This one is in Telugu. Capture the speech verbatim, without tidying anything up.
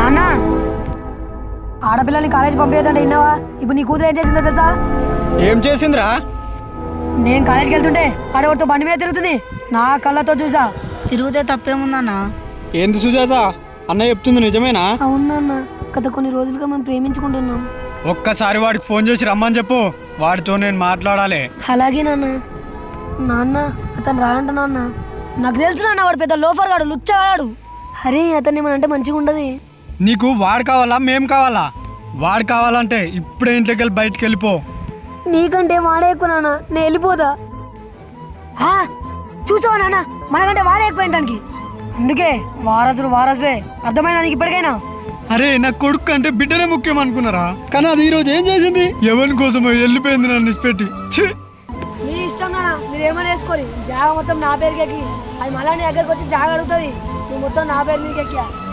నాన్న ఆడపిల్లల్ని కాలేజ్ పంపించదంటే విన్నావా? ఇప్పుడు నీ కూతురు ఏం చేసిందో తెలుసా? ఏం చేసిందిరా? నేను కాలేజ్కి వెళ్తుంటే ఆడవాడితో బండి మీద తిరుగుతుంది. నా కళ్ళతో చూసా. తిరిగితే తప్పేముందన్నా? ఏంది సుజాత, అన్న చెప్తుంది నిజమేనా? అవునన్న, గత కొన్ని రోజులుగా మనం ప్రేమించుకుంటున్నాం. ఒక్కసారి వాడికి ఫోన్ చేసి రమ్మని చెప్పు, వాడితో నేను మాట్లాడాలి. అలాగే నాన్న. నాన్న అతను రాడంట నాన్న. నాకు తెలుసు నాన్న, వాడు పెద్ద లోఫర్ గాడు, లుచ్చగాడు. అరే అతన్ని ఏమనంటే మంచిగా ఉండదు. నీకు వాడు కావాలా మేం కావాలా? వాడు కావాలంటే ఇప్పుడే ఇంట్లోకి వెళ్ళి బయటికి వెళ్ళిపో. నీకంటే వాడే ఎక్కువ నాన్న, నేను వెళ్ళిపోదా. చూసావా నాన్న, మనకంటే వాడే ఎక్కువ దానికి. అందుకే వారసుడు వారసుడే, అర్థమైందా నీకు ఇప్పటికైనా? అరే నా కొడుకు అంటే బిడ్డనే ముఖ్యం అనుకున్నారా? కానీ అది ఈ రోజు ఏం చేసింది? ఎవరి కోసమో వెళ్ళిపోయింది నన్ను ఇచ్చిపెట్టి. నీ ఇష్టం నాన్న, మీరు ఏమైనా వేసుకోరి. జాగ మొత్తం నా పేరుకి ఎక్కి అది మళ్ళా నీ దగ్గరకు వచ్చి జాగ అడుగుతుంది. నువ్వు మొత్తం నా పేరు మీదకి ఎక్కా.